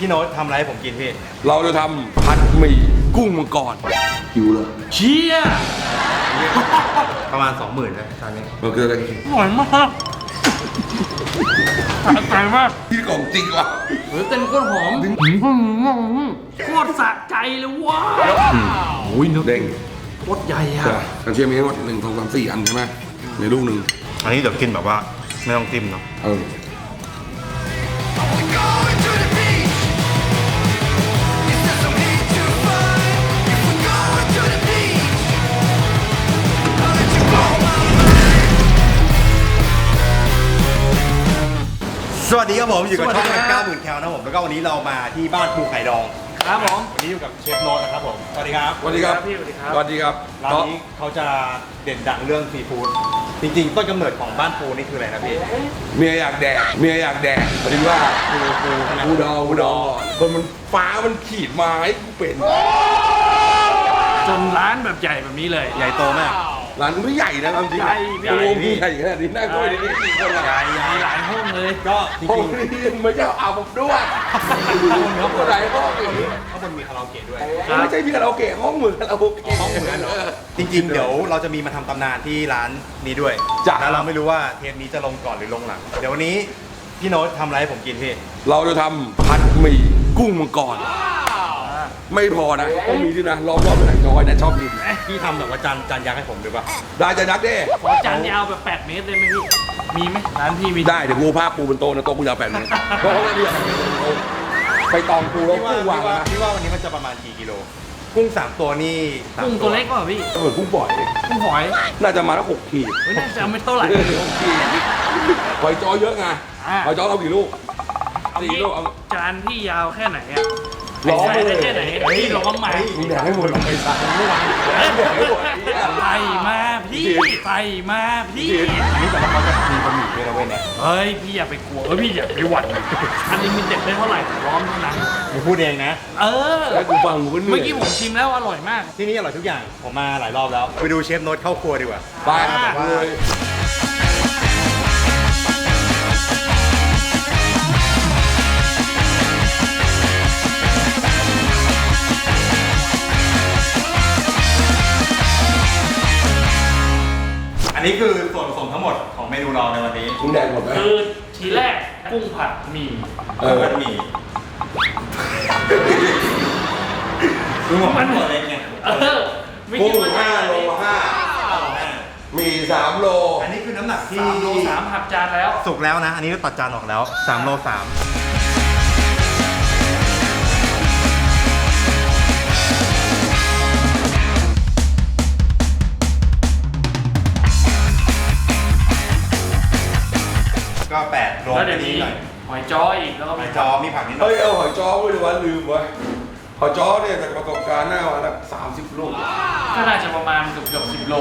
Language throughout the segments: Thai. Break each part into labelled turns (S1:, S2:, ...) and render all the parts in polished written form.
S1: พี่โน้ตทำอะไรให้ผมกินพี่
S2: เราจะทำผัดหมี่กุ้งมังกรหิวเลย
S3: เชี่ย
S1: ประมาณ 20,000นะจานนี้
S2: เราเกิดอะไรกิน
S3: อร่อยมากสะใจมาก
S2: ที่ของจริงว่ะ
S3: เต้นโคตรหอมโคตรสะใจเลยว้าวโอ้ยเนื้อ
S2: เด้ง
S3: โคตรใหญ่อะ
S2: กันเชียงมีทั้งหมด1 2 3 4 อันใช่ไหมในลูกหนึ่ง
S1: อันนี้เดี๋ยวกินแบบว่าไม่ต้องจิ้มเนาะสวัสดีครับผมอยู่กับช่อง90,000แคลนะผมแล้วก็วันนี้เรามาที่บ้านภูไข่ดอง
S3: ครับผม
S1: วันนี้อยู่กับเชฟโน้ตนะครับผมสวัสดีครับ
S2: สวัสดีครับ
S3: พี่สวัสดีครับ
S2: สวัสดีครับ
S1: ร้านนี้เขาจะเด่นดังเรื่องซีฟู้ดจริงๆต้นกำเนิดของบ้านปูนี่คืออะไรนะพี่
S2: เมียอยากแดกพอดีว่าปูดองคนมันฟ้ามันขีดมาให้กูเป็น
S3: จนร้านแบบใหญ่แบบนี้เลย
S1: ใหญ่โตมาก
S2: ร้านไม่ใหญ่นะจริงๆใหญ่ขนาดนี้น่าก็ไม่ได้กี่คนใหญ่
S3: หลายห้องเลย
S1: ก็จริง
S2: ๆไม่ใช่เอาผมด้วยเขาคนไหนห้องนี้
S1: ข้างบนมีคาราโอเกะด้วย
S2: ไม่ใช่มีคาราโอเกะห้องเหมือนคาราโอเกะ
S1: ห้องเหมือนเหรอจริงๆเดี๋ยวเราจะมีมาทำตำนานที่ร้านนี้ด้วยแล้วเราไม่รู้ว่าเทปนี้จะลงก่อนหรือลงหลังเดี๋ยววันนี้พี่โน้ตทำอะไรให้ผมกินพี่
S2: เราจะทำผัดหมี่กุ้งมังกรไม่พอนะต้องมีด้วยนะรอบๆหนังน้อยนะชอบกิน
S1: พี่ทำแบบว่าจานยักษ์ให้ผมด้วยป่ะ
S2: ได้จานยักษ์ดิ
S3: ขอจานยาวแบบ8 เมตรเลยไหมพี่มีไหมร้านพี่มี
S2: ได้เดี๋ยวงูผ้าปูบนโต๊ะนะโต๊ะกูยาว8 เมตรเพราะว่าเนี่ยไปตองปูแล้วกุ้งวางนะ
S1: พี่ว่าวันนี้มันจะประมาณกี่กิโลกุ้ง3 ตัวนี่
S3: กุ้งตัวเล็กกว่าพี่
S2: เหมือนกุ้งปล่อย
S3: กุ้งหอย
S2: น่าจะมาแล้ว6 ขีด
S3: ไม่น่าจะไม่เท่าไหร่
S2: 6 ขีดหอยจ้อเยอะไงหอยจ้อเอากี่ลูก4 ลูก
S3: จานพี่ยาวแค่ไหนอะร้องได้แค่ไหนพี่ร้องมา
S2: มึงแดกให้หมดหรอกไอ้สัตว์ไม่ไหว
S3: ใส่มาพี่ใส่มาพี่
S1: อันนี้แต่ว่าเขาจะมีบะหมี่ด้วยนะเว้ยเนี่ย
S3: เฮ้ยพี่อย่าไปกลัวพี่อย่าไปหวั่นอันนี้มันเด็ดได้เท่าไหร่ร้องเท่านั้น
S1: มึงพูดเองนะ
S2: แล้วกูฟังมึง
S3: เมื่อกี้ผมชิมแล้วอร่อยมาก
S1: ที่นี่อร่อยทุกอย่างผมมาหลายรอบแล้วไปดูเชฟโน้ตเข้าครัวดีกว่า
S2: ไปเลย
S1: อันนี้คือส่วนผสมทั้งหมดของเมนูเราในวันนี้
S2: กุ้งแดงหมดไหม
S3: คือทีแรกกุ้งผัดหมี่
S1: ผัดหมี่คือมันหมดเลยไง
S2: กุ้ง5 โล 5มี3 โล
S1: อันนี้คือน้ำหนักที่
S3: 3 โล 3หักจานแล้ว
S1: สุกแล้วนะอันนี้ตัดจานออกแล้ว3 โล 3ก็8 โล
S3: แล้วเดี๋ยวนี้หอยจ้ออีกแล้วก็
S1: หอยจ้อมีผักนิดหน่อย
S2: เฮ้ยเอาหอยจ้อไว้ดูว่าลืมไว้หอยจ้อเนี่ยจากประสบการณ์หน้าวันละ30 ลูก
S3: ก็น่าจะประมาณเกือบ10 โล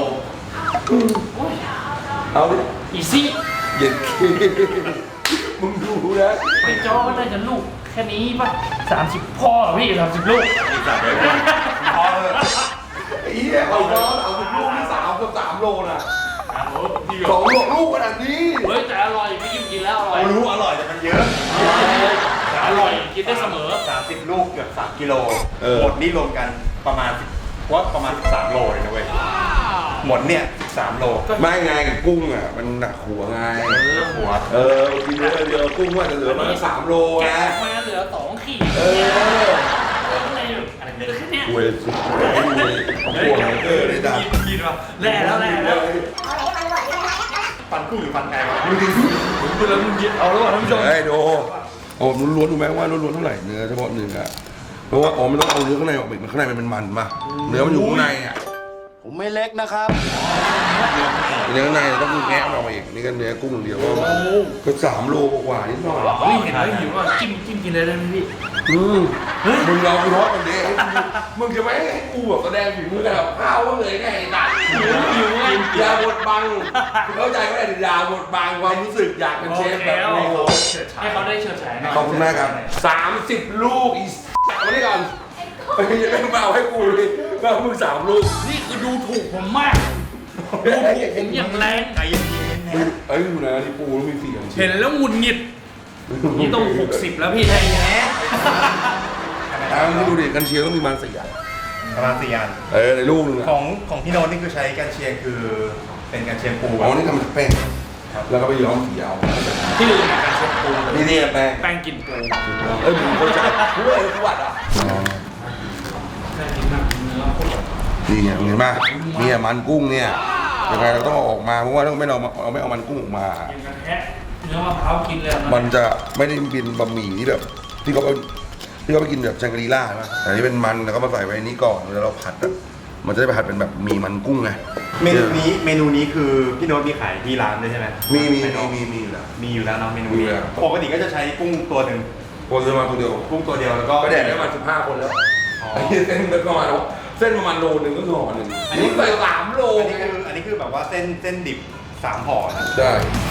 S2: เอาดิ
S3: อีซี่
S2: เย็นมึงดูนะ
S3: หอยจ้อก็น่าจะลูกแค่นี้ป่ะ30พ่อพี่30 ลูก
S1: อีกเลยพอเลย
S2: ไอ้เหี้ยหอยจ้อเอาลูกที่3 กับ 3 โลน่ะ2 ลูกขนาดนี้
S3: เฮ้ยแต่อร่อยพี่กินแล้วอร่อย
S1: รู้อร่อยแต่มันเยอะ
S3: แต่อร่อยกินได้เสมอ
S1: 30 ลูกเกือบ3 กิโลหมดนี่รวมกันประมาณ13 โลเลยนะเว้ยหมดเนี่ย13 โล
S2: ไม่ไงกุ้งอ่ะมันหนักหัวไง
S1: หัว
S2: กินเยอะกุ้งว่าจะเหลือมา3 โลนะ
S3: มาเหลือ2 ขีดอะไรเนี่ย
S2: เว้ยหัวเลยจ้ะ
S3: กินว่ะแล่แล้ว
S1: ฟันกุ้งหรือฟันไก่วะ
S3: มึงแล้วมึงเอาแล้วท่านผู้ชม
S2: ดูเอาล้วนๆดูไหมว่าล้วนๆเท่าไหร่เนื้อเฉพาะเนื้อเพราะว่าไม่ต้องเอาเนื้อข้างในออกมันข้างในมันเป็นมันมาเนื้อมันอยู่ข้างในอ่ะ
S4: ผมไม่เล็กนะครับ
S2: เนื้อข้างในต้องแงะมันออกมาอีกนี่ก็เนื้อกุ้งอย่างเดียวก็3 โลกว่านิดหน่อย
S3: นี่เห็นแล้วหิวว่าจิ้มกินเลยได้ไหมพี่
S2: มึงเราไปทอดมันดิมึงจะไม่ให้กูแบบแสดงฝีมือกับข้าวว่าเลยไงตัด
S3: หิวไง
S2: อย่าบดบังเข้าใจไหมอย่าบดบังความรู้สึกอยากเป็นเชฟแบบนี้
S3: ให้เขาได้เฉิดฉายหน่อย
S2: ขอบคุณมากครับ30 ลูกอีสมาได้ก่อนไม่มาเอาให้กูเลยก็มึง3 ลูก
S3: นี่คือดูถูกผมมากดูถูกผมอย่างแรง
S1: ใจเย็น
S2: ๆอยู่นะที่ปูแล้วมี4
S3: เห็นแล้วหงุดหงิดนี่ต้อง60แล้วพี่ไทยแท้
S2: ที่ดูดิกันเชียงต้องมีมัน4 อัน
S1: ประมาณ4 อัน
S2: ในลูกนึง
S1: ของพี่โน้ตนี่คือใช้กันเชียงคือเป็นกันเชียงปู
S2: อ๋อนี่ทำจากแป้งแล้วก็ไปย้อมสีเอา
S3: ที่ลืมการเช็ดปู
S2: นี่แป้ง
S3: แป้งกินปู
S2: มึงเข้าใจกูเลยกูวัดอ่ะ
S3: แป้งกินแบบเนื้อโคตร
S2: นี่ไงเห็นป่ะเนี่ยมันกุ้งเนี่ยยังไงเราต้องเอาออกมาเพราะว่าถ้าไม่เอามันกุ้งออกมา
S3: กินกันแท้เนื้อมะพร้าวกินเลยนะ
S2: มันจะไม่ได้เป็นบะหมี่ที่แบบที่เขาไปกินแบบชังกรีล่าใช่ไหมแต่อันนี้เป็นมันแล้วก็มาใส่ไว้นี้ก่อนแล้วเราผัดอ่ะมันจะได้ไปผัดเป็นแบบหมี่มันกุ้งไง
S1: เมนูนี้คือพี่โน้ตมีขายที่ร้านด้วยใช่ไหม
S2: มีอยู่แล้ว
S1: มีอยู่แล้วเนาะเมนู
S2: มี
S1: นี้
S2: แล้ว
S1: ปกติก็จะใช้กุ้งตัวหนึ่ง
S2: คนจะมาคนเดียว
S1: กุ้งตัวเดียวแล้วก็
S2: ก็แดดได้มา15 คนแล้วไอ้เส้นประมาณโลนึงก็คือห่อหนึ่งอันนี้ใส่3 โล
S1: อันนี้คือแบบว่าเส้นดิบ3 ห่อนะ
S2: ได้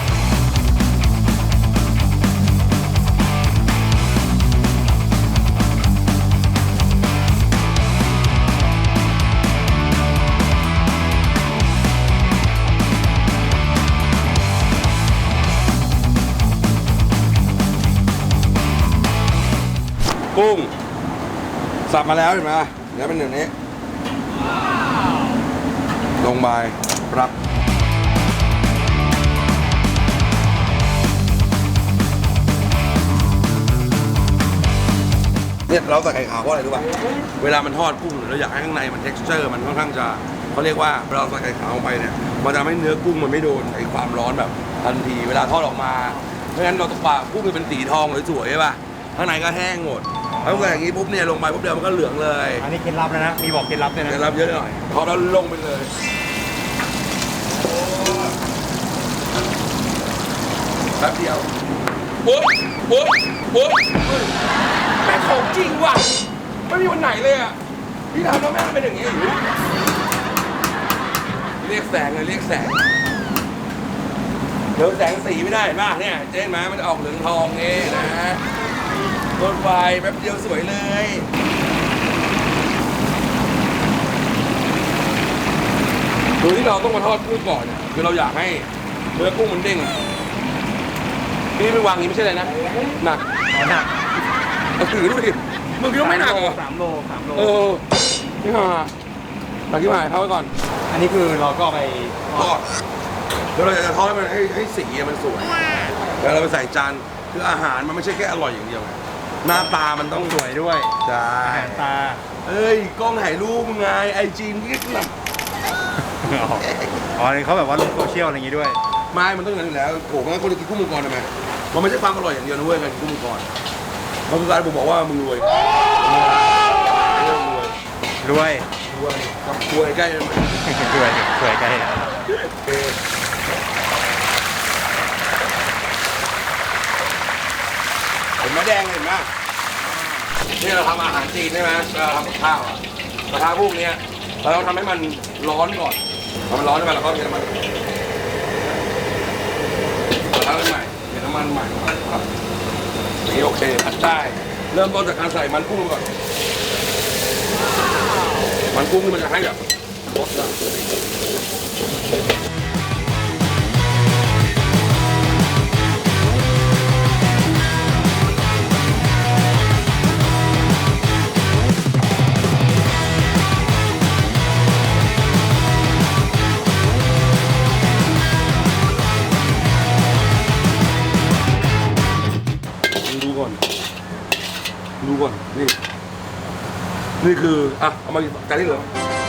S2: กุ้งสับมาแล้วเห็นไหมเนื้อเป็นอย่างนี้ลงไปรับเนี่ยเราใส่ไข่ขาวเพราะอะไรรู้ป่ะเวลามันทอดกุ้งเราอยากให้ข้างในมัน texture มันค่อนข้างจะเขาเรียกว่าเราใส่ไข่ขาวลงไปเนี่ยมันจะทำให้เนื้อกุ้งมันไม่โดนไอ้ความร้อนแบบทันทีเวลาทอดออกมาเพราะฉะนั้นเราต้องปากุ้งมันเป็นสีทองสวยๆใช่ป่ะข้างในก็แห้งหมดแล้วใส่อย่างนี้ปุ๊บเนี่ยลงไปปุ๊บเดียวมันก็เหลืองเลย
S1: อันนี้เคล็ดลับนะมีบอกเคล็ดลับด้วยนะ
S2: เคล็ดลับเยอะหน่อยพอเราลงไปเลยแป๊บเดียวปุ๊บแม่งของจริงว่ะไม่มีวันไหนเลยอ่ะพี่ทำแล้วแม่งเป็นอย่างนี้เรียกแสงเลยเรียกแสงเดี๋ยวแสงสีไม่ได้เห็นป่ะเนี่ยเจ๊เห็นไหมมันจะออกเหลืองทองเองนะฮะโดนไฟแป๊บเดียวสวยเลยโดยที่เราต้องมาทอดกุ้งก่อนเนี่ยคือเราอยากให้เนื้อกุ้งมันเด้งนี่ไม่วางอย่างนี้ไม่ใช่เลยนะหนัก
S1: หนัก
S2: เอาถือดูดิมึงคิดว่าไม่หนักเหรอ
S1: 3 โล
S2: เออนี่ห่าหนักที่หายเข้าไว้ก่อน
S1: อันนี้คือเราก็ไป
S2: ทอดแล้วเราจะทอดให้มันให้สีมันสวยแล้วเราไปใส่จานคืออาหารมันไม่ใช่แค่อร่อยอย่างเดียวหน้าตามันต้อง
S1: สวยด้วย
S2: ใช่
S1: อาหารตา
S2: เอ้ยกล้องถ่ายรูปไงไอจีมก็แบบ
S1: อ๋อนี่เขาแบบว่าลงโซเชียลอะไรอย่างงี้ด้วย
S2: ไม่มันต้องอย่างนั้นอยู่แล้วโอ้งั้นคนจะกินกุ้งมังกรทำไมมันไม่ใช่ความอร่อยอย่างเดียวนะเว้ยการกินกุ้งมังกรมันคือการผมบอกว่ามึงรวย
S1: รวย
S2: กับรวยใกล้มัน
S1: รวยสวยใจ
S2: เห็นไหมแดงเห็นไหมนี่เราทำอาหารจีนใช่ไหมเราทำกับข้าวอะกระทะพวกเนี้ยเราต้องทำให้มันร้อนก่อนพอมันร้อนใช่ไหมเราก็เทน้ำมันกระทะใหม่เทน้ำมันใหม่ครับนี่โอเคผัดได้เริ่มต้นจากการใส่มันกุ้งก่อนมันกุ้งนี่มันจะให้แบบรสอะ ดูก่อนนี่คืออ่ะเอามาจานที่เหลือ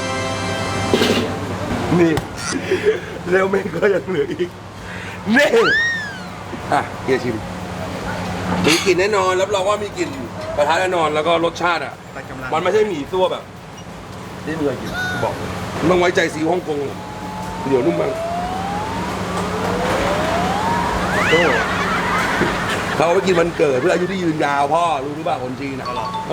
S2: นี่แล้วไม่ก็ยังเหลืออีกนี่อ่ะเฮียชิมมีกลิ่นแน่นอนรับรองว่ามีกลิ่นกระทะแน่นอนแล้วก็รสชาติอ่ะมันไม่ใช่หมี่ซั่วแบบที่เมื่อกินบอกเลยต้องไว้ใจซีอิ๊วฮ่องกงเดี๋ยวนุ่มมากโอ้เขาเอาไปกินวันเกิดเพื่ออายุที่ยืนยาวพ่อรู้หรือเปล่าคนจีนนะ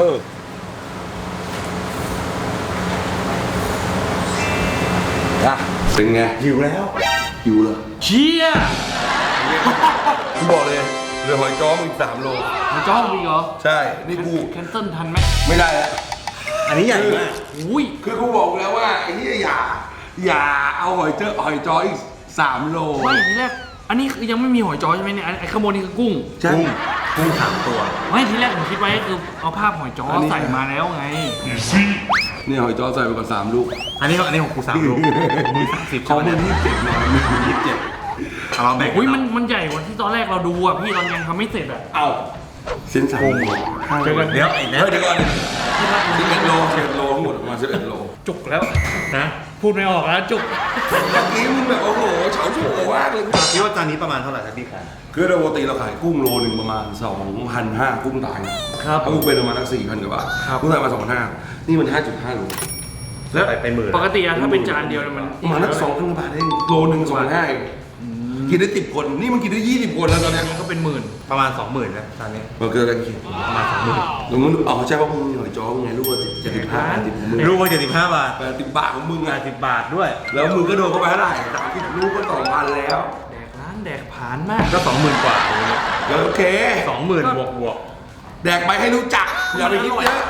S2: เป็นไงหิวแล้วหิวเลย
S3: เชี่ย
S2: กูบอกเลยเรือหอยจ้อมึง3 โล
S3: มันจ้องอีกเหรอ
S2: ใช่นี่กู
S3: แคนเซิลทันไหม
S2: ไม่ได้แล้ว
S1: อันนี้ใหญ่มาก
S3: อุ้ย
S2: คือกูบอกแล้วว่าไอ้ที่อย่าเอาหอยจ้ออีก3 โล
S3: ไม่ทีแรกอันนี้คือยังไม่มีหอยจ้อใช่ไหมเนี่ยไอ้ข้างบนนี่คือกุ้ง
S2: ใช่
S1: กุ้ง3 ตัว
S3: ไม่ทีแรกผมคิดไว้ก็คือเอาภาพหอยจ้อใส่มาแล้วไง
S2: นี่หอยจ้อใส่ไปก่อน3 ลูก
S1: อันนี้ของกู3 ลูกมึง30
S2: เขา
S1: ใช่ไหม
S2: เป็น
S1: เนี่ย
S2: 27นะมึง27
S1: เอาเราแบ่ง
S3: อุ้ยมันใหญ่กว่าที่ตอนแรกเราดูอ่ะพี่ตอนยังทำไม่เสร็จอ่ะ
S2: เอาเส้น3 โล
S3: เจอกัน
S1: เดี๋ยวไอ้แนท
S2: เดี๋ยวก่อน11 โล11 โลทั้งหมดประมาณ11 โล
S3: จุกแล้วนะพูดไม่ออกแล้วจุก
S2: เมื่อกี้มึงแบบโอ้โหเฉาโฉมากเลย
S1: คิดว่าจานนี้ประมาณเท่าไหร่ครับพี่ขาย
S2: คือปกติเราขายกุ้งโลหนึ่งประมาณ 2,500 กุ้งตาย
S3: ครับ
S2: ถ้ากุ้งเป็นประมาณสัก4,000 กว่าบาท
S3: ครับ
S2: กุ้งตายมา2,500นี่มัน 5.5 โล
S3: แล้ว
S1: ไปหมื่น
S3: ปกติอะถ้าเป็นจานเดียวเนี่ยมัน
S2: ประมาณสัก2,000 กว่าบาทเองโลหนึ่ง2,500เองกินได้10 คนนี่มันกินได้20 คนแล้วตอนเนี้ย
S3: มันก็เป็นหมื่น
S1: ประมาณ 20,000นะจานนี้
S2: มันเกิดอะไรขึ้น
S1: ประมาณ 20,000
S2: แล้วมึงอ๋อใช่ว่ามึงมีหอยจ้อไงลูกว่า75 80ของมึง
S1: ลูกว่า75 บาท
S2: 80 บาทของมึงอ่ะ
S1: 80 บาทด้วย
S2: แล้วมึงก็โดนเข้าไปเท่าไหร่30 ลูกก็ 2,000 แล้ว
S3: แดกร้านแดกผานมาก
S1: ก็ 20,000 กว่าอย่างเงี้ย
S2: โอเค
S1: 20,000 บวก
S2: แดกไปให้รู้จักอย่าไปคิดเยอะ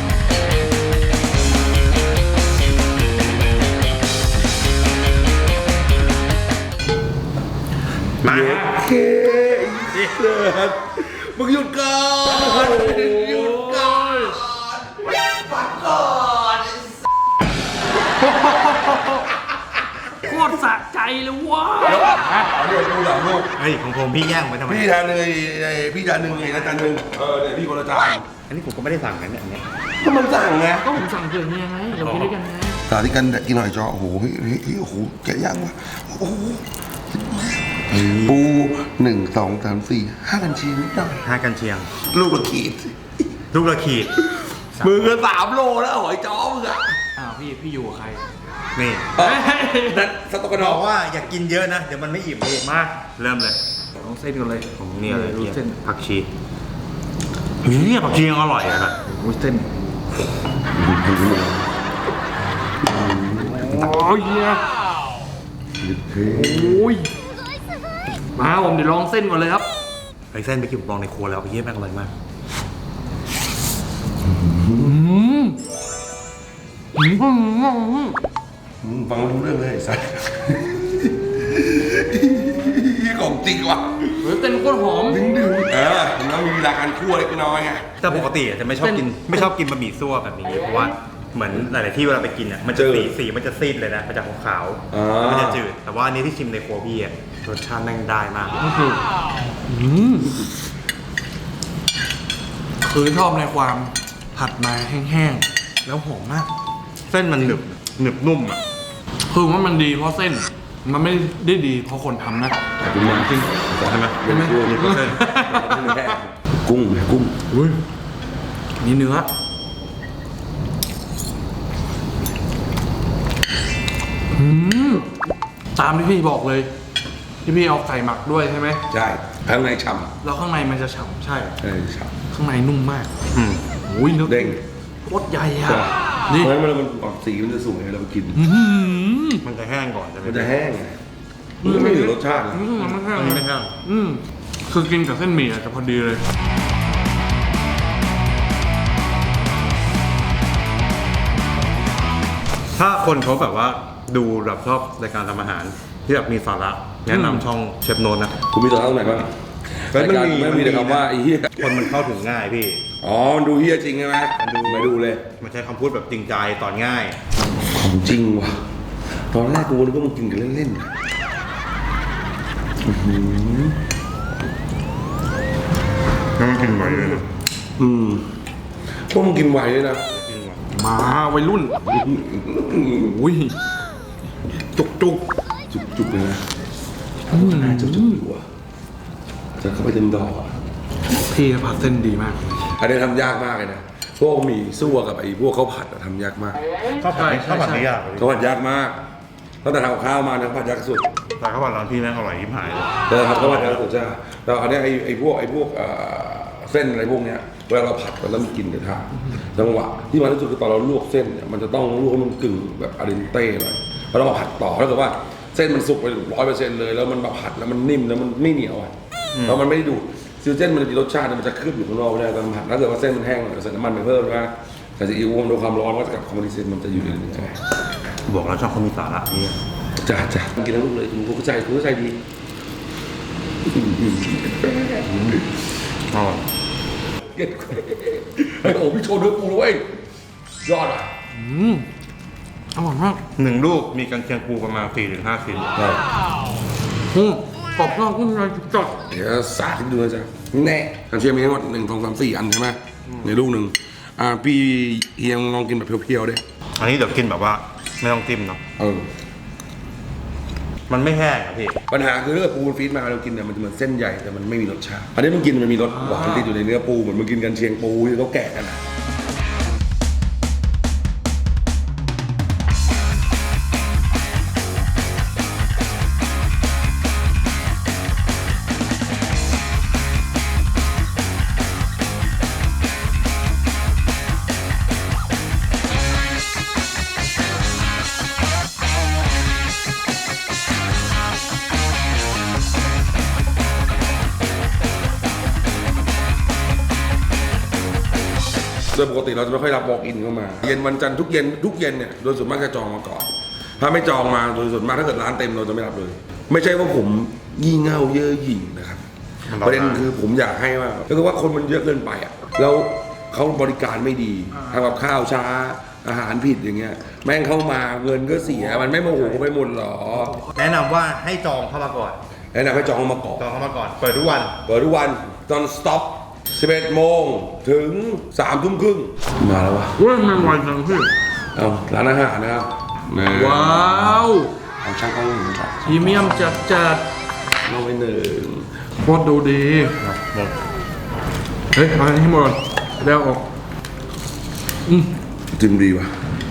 S1: มา
S2: โอเคเลิศมึงหยุดก่อนหยุดก่อนฟังก่อน
S3: โคตรสะใจเลยว้า
S2: เดี๋ยวดูหลังลูก
S1: เฮ้ยของผมพี่แย่งไปทำไม
S2: พี่จานหนึ่งพี่จานหนึ่งไงจานหนึ่งเนี่ยพี่คนละจาน
S1: อันนี้ผมก็ไม่ได้สั่งนะเนี่ยอันเนี้ย
S2: ก็มันสั่งไง
S3: ก็ผมสั่งเผื่อเนี่ยไงเรากินด้วยกันไง
S2: สาธิตกันกินหน่อยจอโอ้โหโอ้โหแกะย่างว่ะโอ้โหปู1 2 3 4 5 กันชีนิดหน่อย
S1: 5 กันเชียง
S2: ลูกละขีด
S1: ลูกละขีด
S2: มือก็3 โลแล้วหอยจ้อมึงอะ
S3: อ้าวพี่อยู่กับใคร
S1: นี่
S2: นั่นสต๊อกกระด
S1: บ
S2: อ
S1: อก กว่าอย่ากินเยอะนะ เดี๋ยวมันไม่อิ่มพี่
S3: มา
S1: เริ่มเลย
S3: ลองเส้นกันเลย
S1: ผมเนี่ยเลย
S3: ดูเส้น
S1: ผักชีเฮ้ยผักชียังอร่อยอะครับ
S3: โอ้ยเส้นโอ้ยเนี่ยโอ้ยมาผมเดี๋ยวลองเส้นก่อนเลยครับ
S1: ไอ้เส้นไปกินผมลองในครัวแล้วพี่แม่งอร่อยมาก
S2: ฟังไม่รู้เรื่องเลยสัสของจริงว่ะ
S3: เฮ้ยเส้นโคตรหอม
S2: ดึงมันต้องมีเวลาการคั่วเล็กน้อยไง
S1: แต่ปกติอะจะไม่ชอบกินบะหมี่ซั่วแบบนี้เพราะว่าเหมือนหลายๆที่เวลาไปกินอ่ะมันจะสีมันจะซีดเลยนะมันจะขาวๆมันจะจืดแต่ว่าอันนี้ที่ชิมในครัวพี่อ่ะรสชาติแม่งได้มาก
S3: คือชอบในความผัดมาแห้งๆ แล้วหอมมาก
S1: เส้นมันหนึบนุ่มอ่ะ
S3: คือว่ามันดีเพราะเส้น มันไม่ได้ดีเพราะคนทำนะ
S2: จริง
S1: ใช่ไหม
S2: ใช่ไหม
S1: มีเปอร์เซ็นต์
S2: กุ้ง
S3: อุ้ยนี่เนื้อตามที่พี่บอกเลย ที่พี่เอาไก่หมักด้วยใช่ไหม
S2: ใช่ข้างในฉ่
S3: แล้วข้างในมันจะฉ่ำใช่
S2: ำฉ่
S3: ข้างในนุ่มมาก
S1: อืม
S3: โอ้ยเนื้อ
S2: เด้ง
S3: โคตรใหญ่อะ
S2: ใช่
S3: นี่
S2: เพราะฉะนั้นมันออกสีมันจะสวยเรากิน
S1: มันจะแห้งก่อนใช่ไหม
S2: มันจะแห้งไงมันไม่เหลือรสชาติ
S3: มันไม่แห้ง
S1: อันนี้ไม่แห้ง
S3: คือกินกับเส้นหมี่อะจะพอดีเลย
S1: ถ้าคนเขาแบบว่าดูแบบชอบรายการทำอาหารที่แบบมีสาระแนะนำช่องเชฟโนนนะ
S2: คุณมีตัวเท่าไหร่บ้าง
S1: เฮ้ยมันมี
S2: ไม่มีแต่คำว่าไอ้เหี้ย
S1: คนมันเข้าถึงง่ายพี่
S2: อ๋อมันดูเหี้ยจริงใช่ไหม
S1: มันดู
S2: ไม่ดูเลย
S1: มันใช้คำพูดแบบจริงใจตอนง่าย
S2: ของจริงว่ะตอนแรกกูนึกว่ามึงกินกันเล่นๆนะ
S1: แล้วมันกินไหวเลยนะ
S2: พวกมึงกินไหวเลยนะ
S1: กินไหว
S3: มาวัยรุ่นอุ้ยจุก
S2: จุกๆเลยนะน่าจุกอยู่อ่ะจะเข้าไปเต็มดอกอ่ะ
S3: พี่ผัดเส้นดีมาก
S2: อันนี้ทำยากมากเลยนะพวกหมี่ซั่วกับไอ้พวกข้าวผัดอะทำยากมาก
S1: ข้าวผัดไม่ยากเลย
S2: ข้าวผัดยากมากตั้งแต่ทำกับข้าวมาเนี่ยข้าวผัดยากสุด
S1: แต่ข้าวผัดร้านพี่แม่งอร่อยยิ่งหายเลย
S2: แต่ทำข้าวผัดยากสุดใช่ไหมแต่อันเนี้ยไอ้พวกเส้นอะไรพวกเนี้ยเวลาเราผัดกันแล้วมันกินเดี๋ยวทานจังหวะที่มันที่สุดคือตอนเราลวกเส้นเนี่ยมันจะต้องลวกให้มันกึ่งแบบอาเดนเต้หน่อยแล้วเรามาผัดต่อถ้าเกิดว่าเส้นมันสุกไป100%เลยแล้วมันมาผัดแล้วมันนิ่มแล้วมันไม่เหนียวอ่ะแล้วมันไม่ได้ดูดซิลเส้นมันจะมีรสชาติมันจะเคลือบอยู่ข้างนอกไม่ได้ตอนผัดถ้าเกิดว่าเส้นมันแห้งหน่อยใส่น้ำมันไปเพิ่มนะใส่ซีอิ๊วมันโดนความร้อนก็จะกับคอมมิวนิสต์มันจะอยู่ในนี้ไง
S1: บอกแล้วชอบคนมีสาระนี่
S2: จ้ากินทั้งลูกเลยคุณเข้าใจดี
S1: อ๋อ
S2: เก็ดไอ้โอ้พี่โชว์เนื้อปูเลยยอดอ่ะ
S3: อร่อยมาก
S1: 1 ลูกมีกันเชียงปูประมาณ 4-5 ชิ้น
S3: กรอบนอกนุ่มในจัด
S2: เดี๋ยวสาธิตดูนะจ๊ะแน่กันเชียงมีทั้งหมด1 2 3 4 อันใช่ไหมในลูกหนึ่งพี่เฮียงลองกินแบบเพียวๆดิ
S1: อันนี้เดี๋ยวกินแบบว่าไม่ต้องจิ้มเนาะ มันไม่แห้งอะพี่
S2: ปัญหาคือถ้าเกิดปูมันฟีดมาเรากินเนี่ยมันจะเหมือนเส้นใหญ่แต่มันไม่มีรสชาติอันนี้มันกินมันมีรสหวานติดอยู่ในเนื้อปูเหมือนมันกินกันเชียงปูที่เขาแกะกันอะโดยปกติเราจะไม่ค่อยรับ walk in เข้ามาเย็นวันจันทร์ทุกเย็นเนี่ยโดยส่วนมากจะจองมาก่อนถ้าไม่จองมาโดยส่วนมากถ้าเกิดร้านเต็มเราจะไม่รับเลย ไม่ใช่ว่าผมยี่เง่าเย่อหยิ่งนะครับประเด็นคือผมอยากให้ว่าก็คือว่าคนมันเยอะเกินไปอ่ะแล้วเขาบริการไม่ดีทำกับข้าวช้าอาหารผิดอย่างเงี้ยแม่งเข้ามาเงินก็เสียมันไม่โมโหไปหมดหรอ
S1: แนะนำว่าให้จองเข้ามาก่อน
S2: แนะนำให้จองมาก่อน
S1: จองเข้ามาก่อน เปิดทุกวัน
S2: เปิดทุกวันตอนสต็อป11 โมงถึง 3 ทุ่มครึ่งมาแล้ววะ
S3: เว้ยมันไวจังพี่
S2: เอาร้านอาหารนะครับนี่
S3: ว้าว
S2: เอาช่างกล้องหนึ่งครับ
S3: พรีเมียมจัด
S2: เอาไว้หนึ่ง
S3: โคตรดูดีเฮ้ยเอาอันนี้ให้หมดก่อนแล้วออก
S2: จิ้มดีว่ะ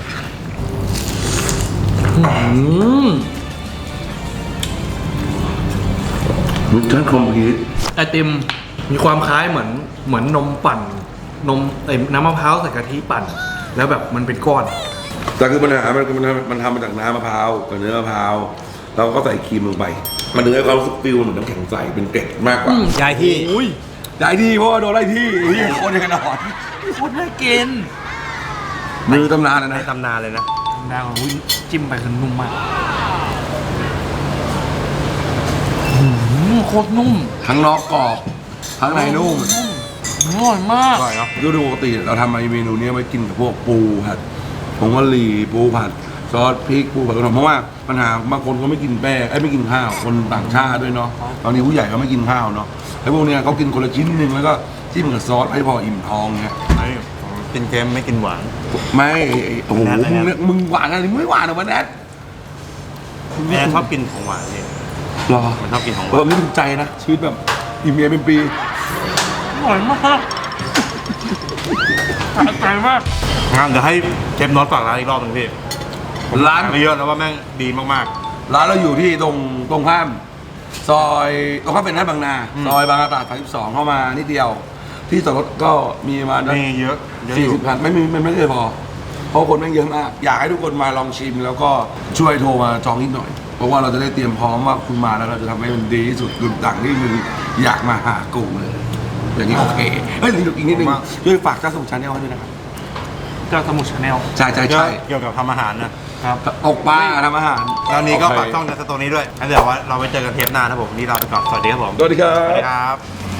S2: รสชาติคอมพลีท
S3: ไอติมมีความคล้ายเหมือนนมปั่นนมน้ำมะพร้าวใส่กะทิปั่น แล้วแบบมันเป็นก้อน
S2: แต่คือปัญหามันทำมาจากน้ำมะพร้าวกับเนื้อมะพร้าวเราก็ใส่ครีมลงไป มันถึงให้ความรู้สึกฟิลเหมือนน้ำแข็งใสเป็นเกล็ดมากกว่า
S1: ย้ายที่
S3: อุ้ย
S2: ได้ที่เพราะว่าโดนไล่ที่นี่โคตรยังกันหนอน
S3: โคตรน่ากิน
S2: มือตำนานนะ
S1: ใน
S2: นะ
S1: ตำนานเลยนะ
S3: ดาวอุ้ยจิ้มไปคือนุ่มมากโคตรนุ่ม
S2: ทั้งนอกกรอบทั้งในนุ่ม
S3: อร่อยมาก
S1: อร่อยเนาะ
S2: โดยปกติเราทำเมนูนี้ไว้กินกับพวกปูผัดผงกะหรี่ปูผัดซอสพริกปูผัดกระเทียมเพราะว่าปัญหาบางคนเขาไม่กินแป้งไม่กินข้าวคนต่างชาติด้วยเนาะตอนนี้ผู้ใหญ่ก็ไม่กินข้าวเนาะไอ้พวกเนี้ยเขากินคนละชิ้นนึงแล้วก็จิ้มกับซอสให้พออิ่มท้องเงี้ย
S1: กินเค็มไม่กินหวาน
S2: ไม่โอ้โห
S1: แนท
S2: มึงหวานอะไรไม่หวานหรอวะแนท
S1: แม่ชอบกินของหวานนี่
S2: หรอ
S1: มันชอบกินของห
S2: เอ
S1: วา
S2: อน ไม่ถูกใจนะชีวิตแบบอิ่มเมียเป็นปี
S3: อร่อยมากสะใจมาก
S1: งั้นเดี๋ยวให้เชฟโน้ตฝากร้านอีกรอบหนึงพี่
S2: ร้าน
S1: ไม่เยอะแล้วว่าแม่งดีมาก
S2: ร้านเราอยู่ที่ตรงข้ามซอยตรงข้ามเป็นหน้าบางนาซอยบางนาตราด32เข้ามานิดเดียว ที่จอดรถก็มีประมาณ
S1: ๆมีเยอะเยอะอยู่
S2: 40 คันมันไม่เคยพอ เพราะคนแม่งเยอะมาก อยากให้ทุกคนมาลองชิมแล้วก็ช่วยโทรมาจองนิดหน่อย เพราะว่าเราจะได้เตรียมพร้อมว่าคุณมาแล้วเราจะทำให้มันดีที่สุดคือต่างที่มึงอยากมาหากูเลย อย่างนี้โอเคเฮ้ยอีกนิดนึงช่วยฝากเจ้าสมุทรชาแนลให้ด้วยนะครับ
S3: เจ้าสมุทรชาแนล
S2: ใช่
S1: เกี่ยวกับทำอาหารนะ
S3: ครับ
S2: ตกปลาทำอาหาร
S1: แล้วนี้ก็
S2: โอเค
S1: ฝากช่องในสตูนี้ด้วยงั้นเดี๋ยวว่าเราไปเจอกันเทปหน้านะครับผมวันนี่เราไปก่อนสวัสดีครับผม
S2: สวัสดีครั
S1: สวัส
S2: บ
S1: ดีครับ